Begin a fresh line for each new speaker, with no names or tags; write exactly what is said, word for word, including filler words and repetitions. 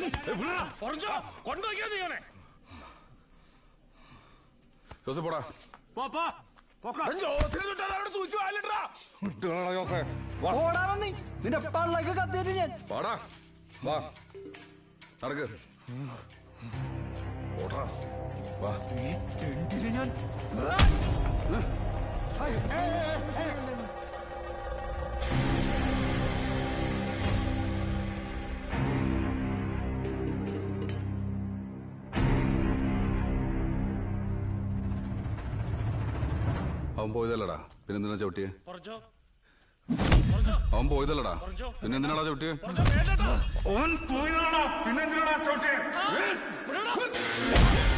Joseph പോടാ.
നിന്റെ പള്ളക്ക് കത്തിയിട്ട് ഞാൻ
പാടാ വാ നടക്ക് ഓടാ വാ.
ഞാൻ
അവൻ പോയതല്ലടാ പിന്നെന്തിനാ ചവിട്ടിയെ? അവൻ പോയതല്ലടാ പിന്നെന്തിനാടാ ചവിട്ടിയെ?
അവൻ പോയതാണോ പിന്നെന്തിനാടാ ചവിട്ടിയെ?